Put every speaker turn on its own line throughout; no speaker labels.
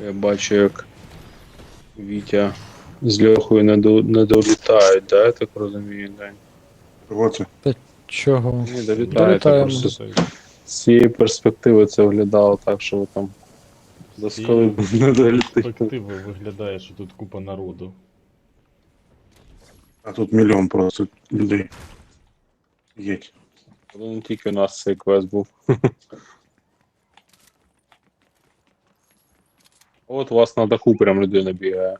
Я бачу, як Вітя з Льохою не долітають, да, я так розумію, Дань?
Оце.
Та чого?
Не долітають, а
Долітаємо.
просто з цієї перспективи це виглядало так, що ви там до
З
скали не долітаєте.
перспективи виглядає, що тут купа народу.
А тут мільйон просто людей. Єть.
Ну, не тільки у нас цей квест був. От у вас на даху прям людина бігає.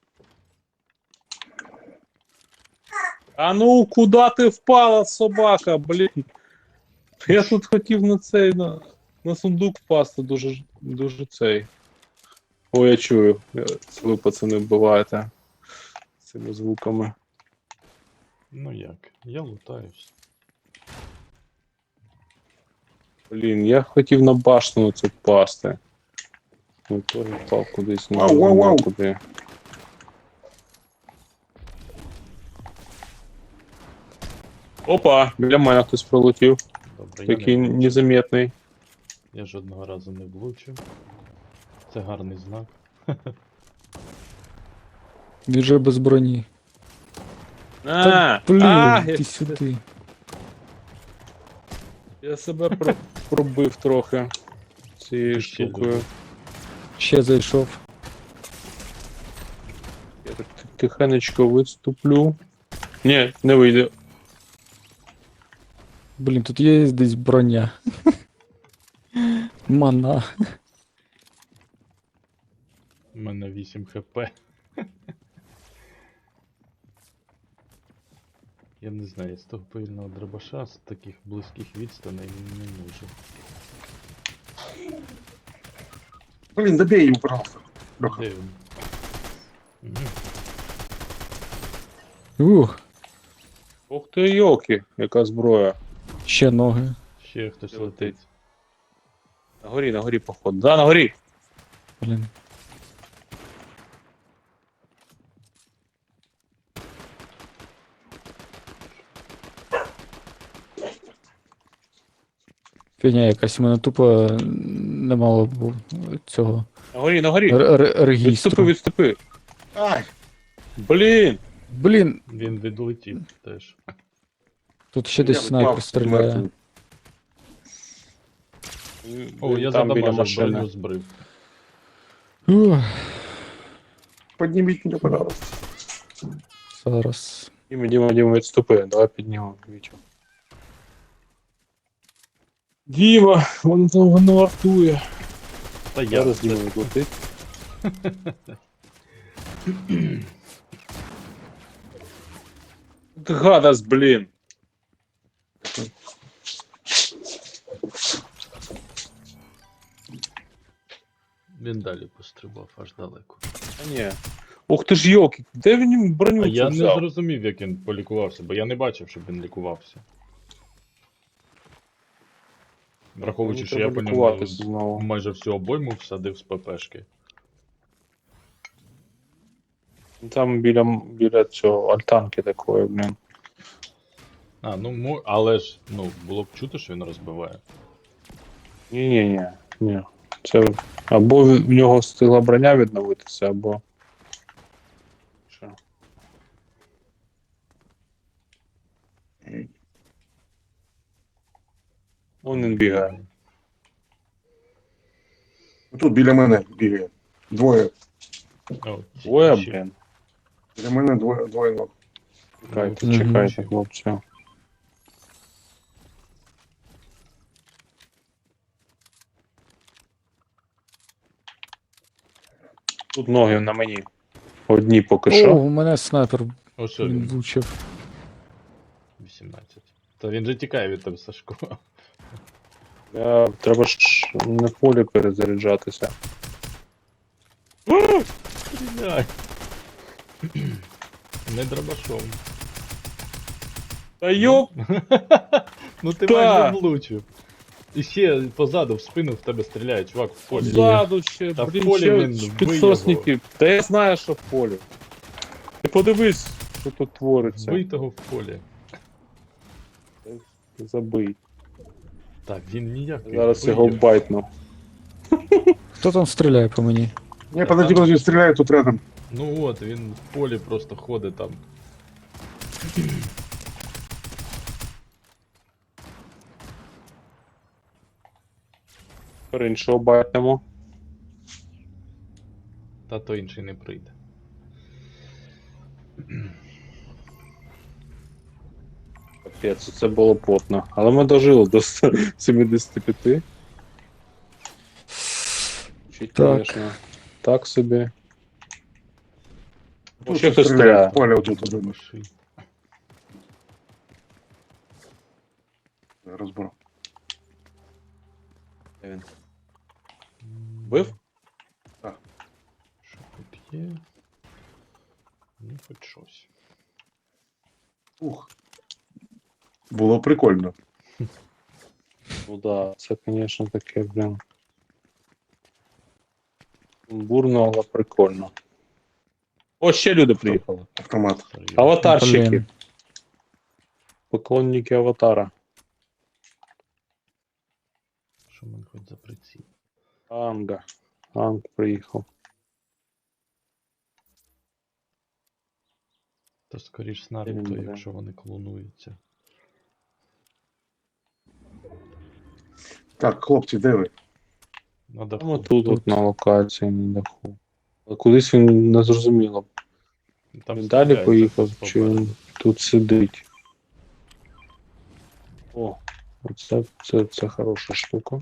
А ну, куди ти впала, собака, блін? Я тут хотів на цей, на сундук впасти, дуже цей. О, я чую. Це ви, пацани, вбиваєте цими звуками.
Ну як, я лутаюсь.
Блін, я хотів на башню це впасти. Ну, теж впав кудись, не
Вау, вау,
знаю
вау.
куди. Опа, біля мене хтось пролетів.
Добре, я
Такий
не влучив.
незаметний.
Я жодного разу не влучив. Це гарний знак.
Він же без броні.
А,
Блін,
а,
ти сюди.
я себе пробив трохи цією
Ще
штукою.
дуже.
Ще зайшов.
Я так тихенечко виступлю. Ні, не вийде.
Блін, тут є десь броня. Мана.
У мене 8 хп. Я не знаю, з того повільного дробаша з таких близьких відстаней не можу.
Блін, добей його, пожалуйста. Льоха.
Де він? Мгм.
Ух,
Ух ти, йоки, яка зброя.
ще ноги.
Ще хтось
Де
летить.
летить? На горі, походу. Да, на горі.
Блін. Фігня якась, у мене тупо не мало б цього
На горі.
регістру.
Відступи.
Ай!
Блін.
Блін,
Він відлетів теж.
тут ще десь
Я
снайпер
впав,
стріляє.
мертвий.
О, я
Там біля
задамажив,
машини.
броню збрив.
Ух,
Підніміть мене, пожалуйста.
зараз.
Діма, відступи. Давай піднімемо Вітю. Діма, воно вартує.
Та я
Зараз
це-
Діма відлетить. Ти гадас, блін.
Він далі пострибав аж далеко.
А ні. Ух ти ж йоки, де він броню
А
цю
я не
взяв?
зрозумів, як він полікувався, бо я не бачив, щоб він лікувався. Враховуючи,
Мені
що я
треба
по ньому
лікуватись знову.
майже всю обойму всадив з ППшки.
Там біля цього альтанки такої, блін.
А, ну але ж, ну, було б чути, що він розбиває.
Ні. Це або в нього встигла броня відновитися, або. Що? Вон він бігає.
Тут біля мене бігає. Двоє.
О,
Ой,
ще.
блін.
Біля мене двоє ног.
Чекайте,
Мгм.
чекайте, хлопці. Тут ноги на мені. Одні поки
О,
що.
у мене снайпер
О, що
він
він?
влучив.
18. Та він же тікає від тебе, Сашко.
Треба ж на полі перезаряджатися.
Стріляй! Не дробашом.
Та йоп!
Ну ти
Та!
майже влучив. І ще позаду в спину в тебе стріляє, чувак, в полі.
Ззаду ще,
Та в
блін,
полі
ще
він
підсосники. Та я знаю, що в полі. Ти подивись, що тут твориться.
Збий того в полі.
Забий.
Так, він ніяк.
Зараз його байтну.
Хто там стріляє по мені?
Не, подожди, подожди, стреляют тут рядом.
Ну от, він в полі просто ходить там.
Тепер іншого байтимо.
Та то інший не прийде.
Капець, це було потно. Але ми дожили до 75. Чуть,
Так.
конечно. Так собі.
Тут
Ще хтось
стреляют
стріляє.
в поле вот тут.
Дробаши.
Разбор.
Де він? Бив?
Що тут є? Ну, хоч щось.
Ух. Було прикольно.
Ну да, це, звісно, таке, блін. Бурно, але прикольно. О, ще люди приїхали.
Автомат.
Серйозно.
Аватарщики.
Блін.
Поклонники аватара.
Що в мене хоч за приціл?
Анга. Анг приїхав.
То скоріш з
Він
Наруто,
буде.
якщо вони клонуються.
Так, хлопці, де ви?
На
Там
даху.
тут от на локації на даху. Але кудись він не зрозуміло.
Там
Він далі
стріляють
поїхав,
зараз
чи
попереду.
він тут сидить. О, це хороша штука.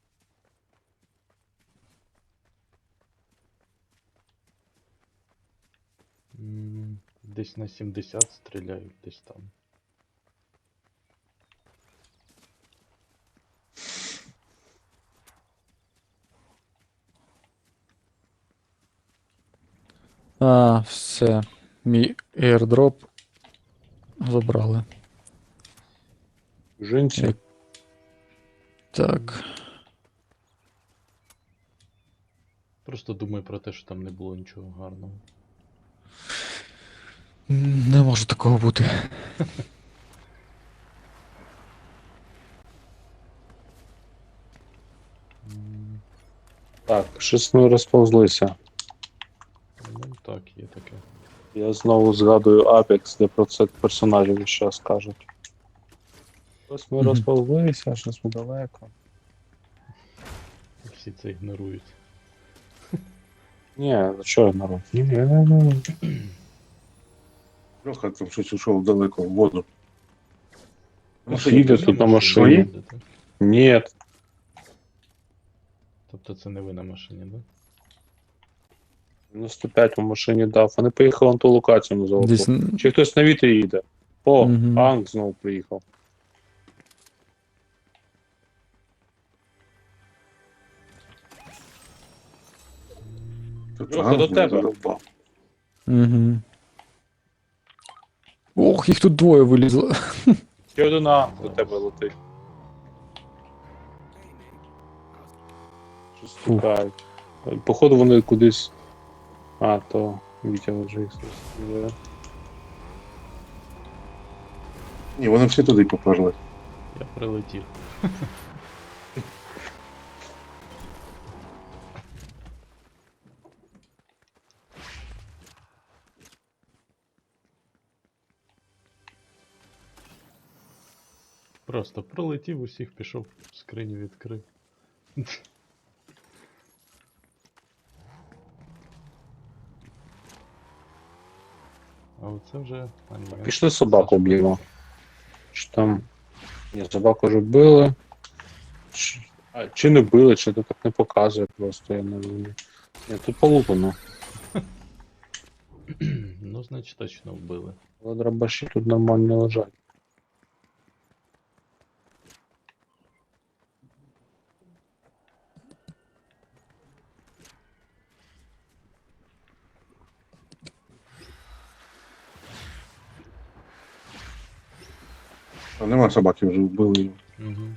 Десь на 70 стріляють, десь там.
А, все. Мій airdrop забрали.
Жінці.
Як- Так.
Просто думаю про те, що там не було нічого гарного.
Не може такого бути.
Так, щось ми розповзлися.
Ну так, є таке.
Я знову згадую Apex, де про це персонажі зараз кажуть. Ось ми
Мгм.
розповзлися, щось ми далеко.
Всі це ігнорують.
Ні, ну що народ? Ні.
Льоха там щось ушов далеко в воду.
Їде тут на машині.
їздите?
Ні.
Тобто це не ви на машині, да?
95 у машині дав. Вони поїхали на ту локацію на золоту.
Десь...
Чи хтось на вітрі їде? О,
Мгм.
Анг знову приїхав.
Тут
Льоха, до
Ганс мене
тебе.
задовбав.
Угу. Ох, їх тут двоє вилізло.
Ще один Анг до тебе летить. Щось тікають. Походу вони кудись. А, то Вітя вже їх стріляє.
Ні, вони всі туди поперли.
Я прилетів. Просто пролетів усіх, пішов, скриню відкрив. А оце вже... А, ні, він-
Пішли собаку
Саша
б'ємо. Чи там. Ні, собаку вже били. Чи не били, чи то так не показує просто, я не розумію. Ні, тут полупано.
Ну, значить, точно вбили.
Але дробаші тут нормально лежать.
А нема собаки, вже вбили його.
Угу.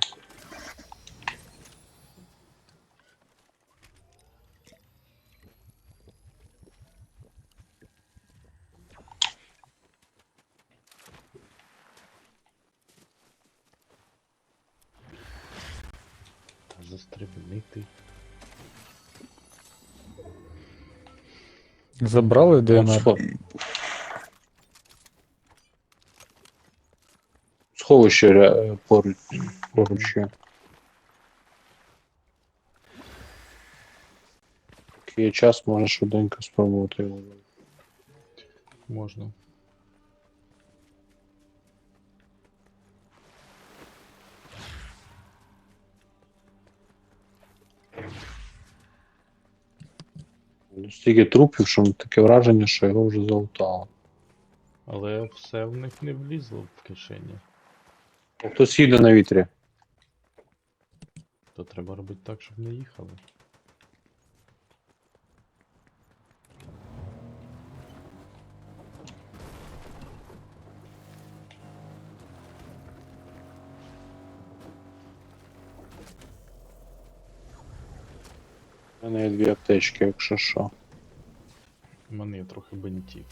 Та застрибнити.
Забрали
От
ДМР.
Сховище поруч є. Поки є час, можна швиденько спробувати його.
Можна.
Стільки трупів, що таке враження, що його вже залутало.
Але все в них не влізло в кишені.
Хтось їде на вітрі.
То треба робити так, щоб не їхали.
У мене є 2 аптечки, якщо що.
У мене є трохи бинтів.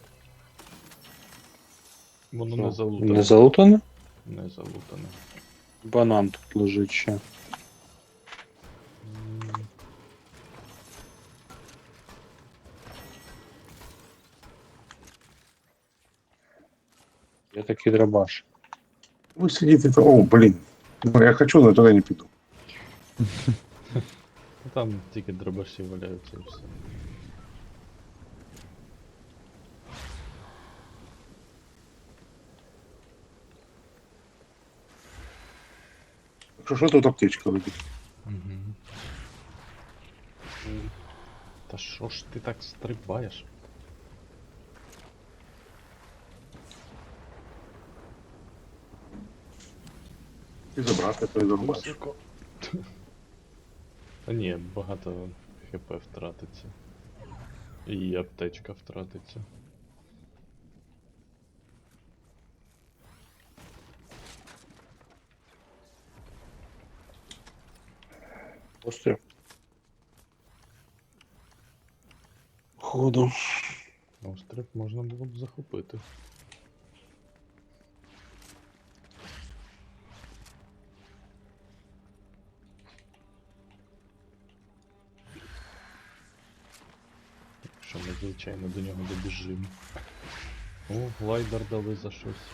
Воно
Що,
не залутане.
Не залутане?
Не залутане.
Банан тут лежить ще.
М,
Є такий драбаш.
Вы сидите, о, блин. Ну, я хочу, но туда не пойду.
Ну, там тільки дробаші валяються і все.
Что тут аптечка лежит?
Угу. Та що ж ти так стрибаєш?
И забрать, то и зарубать.
Високо. Та ні, багато хп втратиться. І аптечка втратиться.
Постріл. Ходу.
Острів можна було б захопити. Якщо ми, звичайно, до нього добіжимо. О, глайдер дали за щось.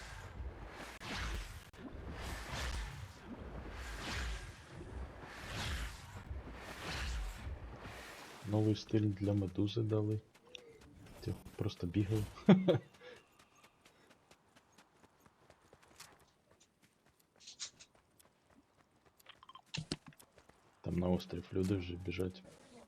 Новий стиль для медузи дали. Ти просто бігав. Там на острів люди вже біжать.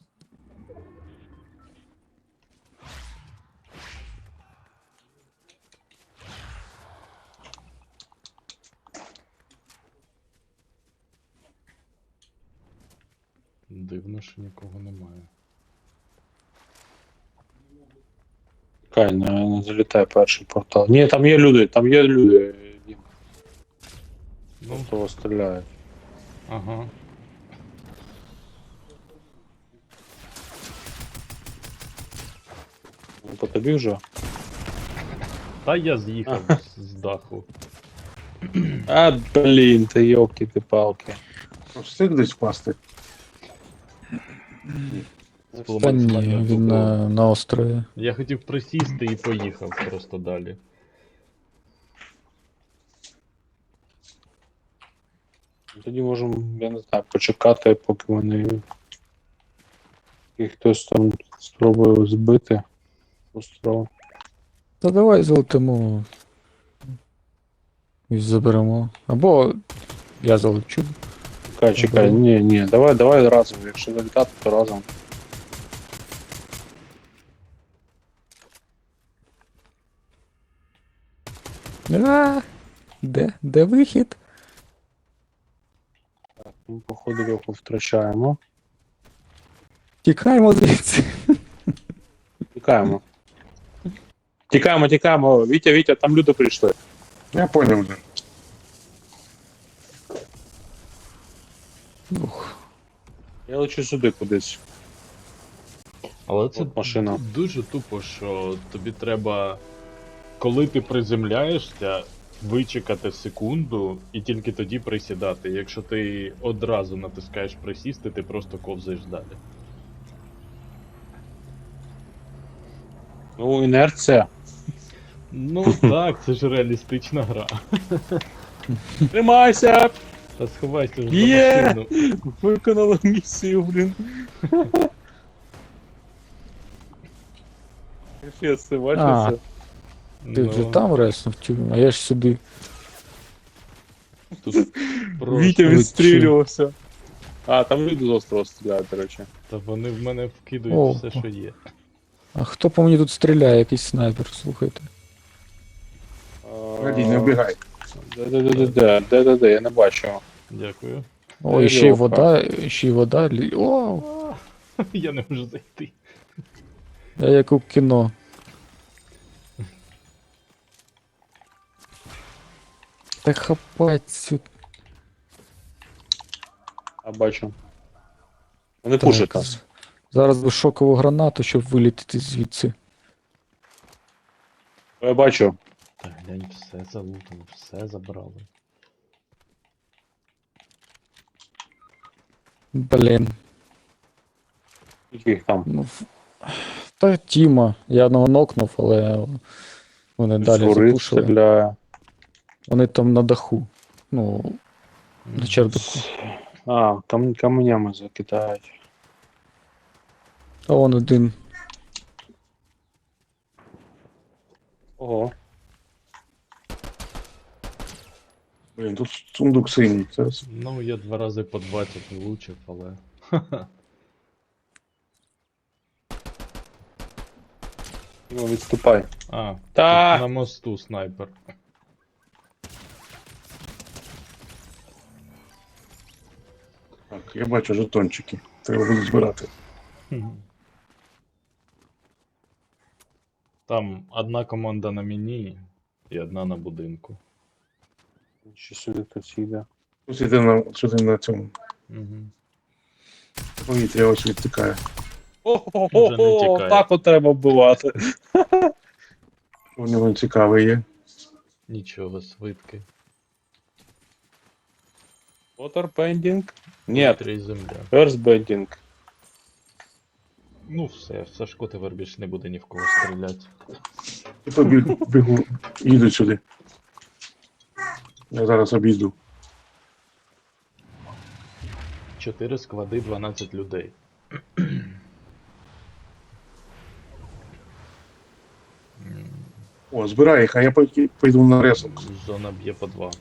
Дивно, що нікого немає.
Чекай, не залітай перший портал. Ні, там є люди, там є люди. Дім.
Ну,
Того стріляють.
ага.
Ну, по тобі вже?
Та я з'їхав з даху.
А, блін, ти йолки ти палки.
Встиг десь впасти.
Та ні, він на острові.
Я хотів присісти і поїхав просто далі.
Тоді можемо, я не знаю, почекати, поки вони. І хтось там спробує збити остров.
Та давай золотимо. І заберемо. Або я залечу.
Чекай, ні, давай разом. Якщо залітати, то разом.
А, де вихід?
Так, ми, походу, його втрачаємо.
Тікаємо звідси.
Тікаємо. Тікаємо. Вітя, там люди прийшли.
Я понял уже.
Ух.
Я лечу сюди кудись.
Але це
От машина.
дуже тупо, що тобі треба, коли ти приземляєшся, вичекати секунду і тільки тоді присідати. Якщо ти одразу натискаєш присісти, ти просто ковзаєш далі.
Ну, інерція.
Ну так, це ж реалістична гра.
Тримайся!
Та сховайся ж за
Є!
машину.
Виконали місію, блін. Капець, ти бачиш
А.
це?
Ти вже там реснув, а я ж сюди.
Тут просто...
Вітя
ви
відстрілювався. А, там люди з острова стріляють, до речі.
Та вони в мене вкидують
О.
все, що є.
А хто по мені тут стріляє, якийсь снайпер, слухайте.
Раді, не вбігай.
Де, я не бачу.
Дякую.
О, і ще й вода, ще й вода. О,
Я не можу зайти.
я як у кіно. Та хапать цю.
А, бачу. Вони
Так,
пушать нас.
Зараз би шокову гранату, щоб вилітити звідси.
Я бачу.
Та глянь, все залутано, все забрали.
Блін.
Скільки їх там?
Ну, та Тіма. Я одного нокнув, але вони далі
Згори
запушили.
стріляє.
Вони там на даху. Ну, на чердаку.
А, каменями закидають.
А вон один.
Ого.
Блін, тут сундук синій. Це
Ну, я 2 рази по 20 влучив, але...
Ну, відступай.
А,
Та!
тут на мосту снайпер.
так, я бачу жетончики. Треба буде збирати.
Там одна команда на мені і одна на будинку.
Що сюди хтось йде.
Ось іде сюди на цьому.
Угу.
Повітря ось відтікає.
Вже не
О,
тікає.
так от треба вбивати.
У нього цікавий є.
Нічого, свитки.
Waterbending? Ні,
Повітря і земля.
Earthbending.
Ну все, Сашко тепер більше не буде ні в кого стріляти.
І побігу, їдуть сюди. Я зараз обійду.
4 склади, 12 людей.
О, збирай їх, а я пойду на ресурс.
Зона б'є по 2.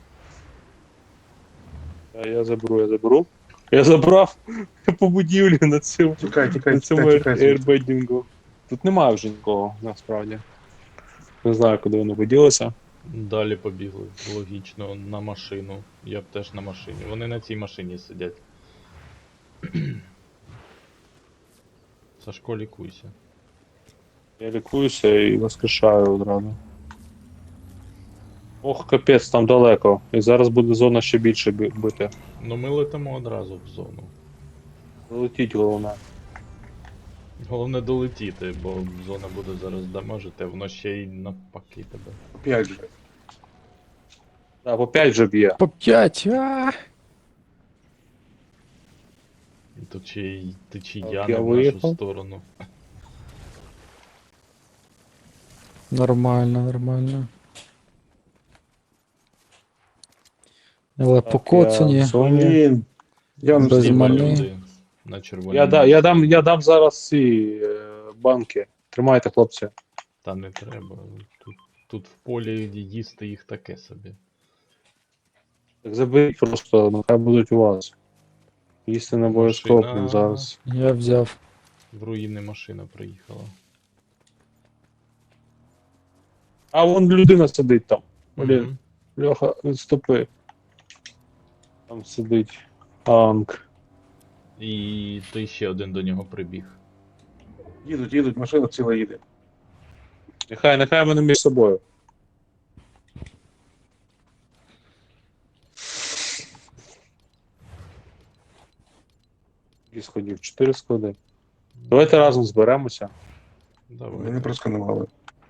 Я заберу. Я забрав по будівлі на цьому,
Тікай,
на цьому
тікай.
airbending. Тут немає вже нікого, насправді. Не знаю, куди вони поділися.
Далі побігли, логічно, на машину. Я б теж на машині. Вони на цій машині сидять. Сашко, лікуйся.
Я лікуюся і воскрешаю одразу. Ох, капець, там далеко. І зараз буде зона ще більше бити.
Ну ми летимо одразу в зону.
Летіть головне.
Головне долетіти, бо зона буде зараз дамажити, а воно ще й навпаки тебе.
Опять же.
Так, по 5 вже б'є.
По 5! А!
І тут ще й течі
Так,
яна
я
в нашу
виїхав.
сторону.
Нормально, нормально. Але
Так,
покоцані.
я в зоні.
Блін. Я не
Без
встиг.
мани.
Люди на червоній.
Я дам зараз ці банки. Тримайте, хлопці.
Та не треба. Тут в полі їсти їх таке собі.
Так заберіть просто, нехай будуть у вас. Їсти не обов'язково
Машина.
зараз.
Я взяв.
В руїни машина приїхала.
А вон людина сидить там. Блін,
Мгм.
Льоха, відступи. Там сидить танк.
І той ще один до нього прибіг.
Їдуть, машина ціла їде.
Нехай вони між собою. Скільки сходів? 4 склади. Давайте разом зберемося.
Давай.
Мене просканували.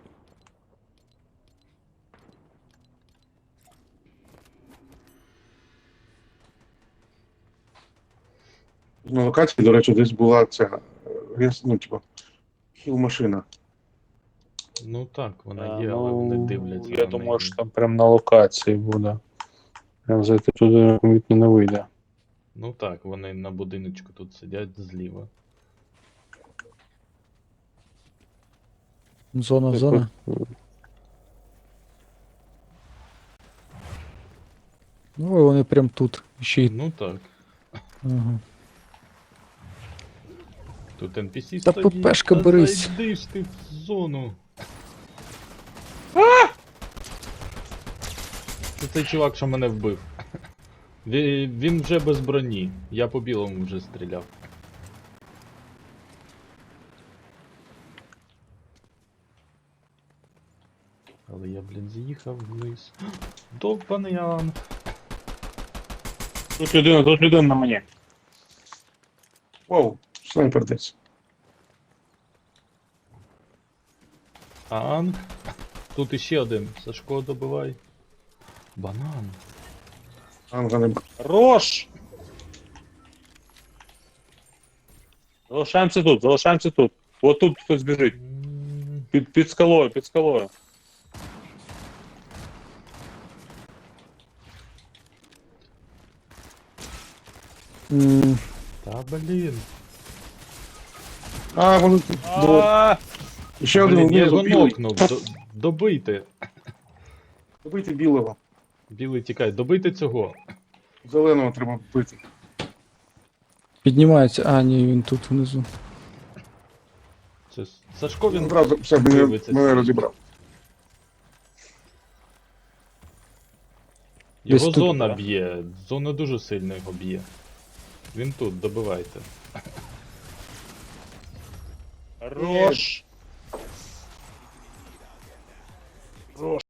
На локації, до речі, десь була ця, ну, типу, хіл-машина.
Ну так, вона
А,
є, але вони дивляться.
Я
на
думаю,
неї.
що там прям на локації буде. Прям зайти туди помітно не вийде.
Ну так, вони на будиночку тут сидять зліва.
Зона, зона. Ну, і вони прям тут. Ще й.
Ну так.
Ага.
Тут NPC
Та
стоїть.
ППшка
Та
берись.
зайди ж ти в зону. Це цей чувак, що мене вбив. Він вже без броні. Я по білому вже стріляв. Але я, блін, з'їхав вниз. Довбаний Ян.
Тут людина на мені.
Вау, снайпер десь.
Ан. Тут іще один. Сашко, добивай. Банан.
Анга не б-
Рош! Залишаємося тут, залишаємося тут. От тут хтось біжить. Під скалою, під скалою.
М,
Та блін.
А, вони тут. Двоє.
А,
Ще один
Блін, я
внизу
його
білий.
нокнув. Добийте.
Добити білого.
Білий тікай, добийте цього.
Зеленого треба вбити.
Піднімається. А, ні, він тут внизу.
Це Сашко
Він
він
одразу все
дивиться.
мене розібрав.
Десь
Його
тут,
зона
да?
б'є. Зона дуже сильно його б'є. Він тут, добивайте.
Рош! Рош!